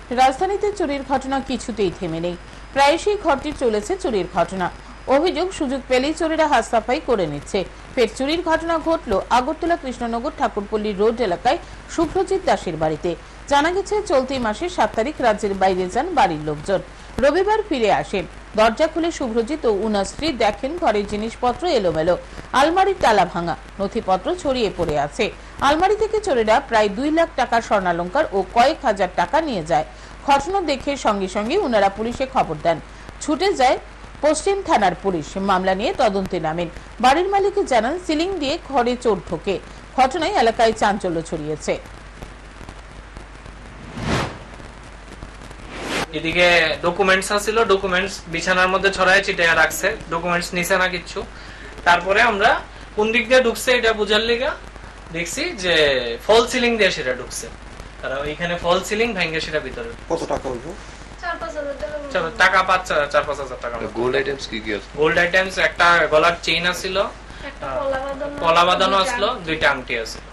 রাজধানীতে চুরির ঘটনা কিছুতেই থেমে নেই। প্রায়শই ঘরটি চলেছে চুরির ঘটনা। অভিযোগ, সুযোগ পেলেই চোরেরা হাত সাফাই করে নিচ্ছে। ফের চুরির ঘটনা ঘটল আগরতলা কৃষ্ণনগর ঠাকুরপল্লী রোড এলাকায় শুভ্রজিৎ দাসের বাড়িতে। জানা গেছে, চলতি মাসের 7 তারিখ রাজ্যের বাইরে যান বাড়ির লোকজন। রবিবার ফিরে আসেন। দরজা খুলে শুভ্রজিৎ ও উনার স্ত্রী দেখেন ঘরের জিনিসপত্র এলোমেলো, আলমারির তালা ভাঙা, নথিপত্র ছড়িয়ে পড়ে আছে। আলমারি থেকে চোরেরা প্রায় 2 লাখ টাকার স্বর্ণালংকার ও কয়েক হাজার টাকা নিয়ে যায়। ঘটনা দেখে সঙ্গে সঙ্গে উনারা পুলিশে খবর দেন। ছুটে যায় পশ্চিম থানার পুলিশ। মামলা নিয়ে তদন্তে নামেন। বাড়ির মালিক জানান, সিলিং দিয়ে ঘরে চোর ঢোকে। ঘটনায় এলাকায় চাঞ্চল্য ছড়িয়েছে। এদিকে ডকুমেন্টস আছিল, ডকুমেন্টস বিছানার মধ্যে ছড়ায় ছিটায় রাখছে, ডকুমেন্টস নিছে না কিচ্ছু। তারপরে আমরা কোন দিক দিয়ে ঢুকছে এটা বুঝার লিগা দেখছি যে ফল সিলিং দিয়ে সেটা ঢুকছে। তারা ওইখানে ফল সিলিং ভেঙে সেটা ভিতরে। কত টাকা হইব? 4-5 টাকা, 4-5 হাজার টাকা। গোল্ড আইটেমস কি কি আছে? গোল্ড আইটেমস একটা গলার চেইন আছিল, পলা বাঁধানো আসলো, 2টা আংটি আছে।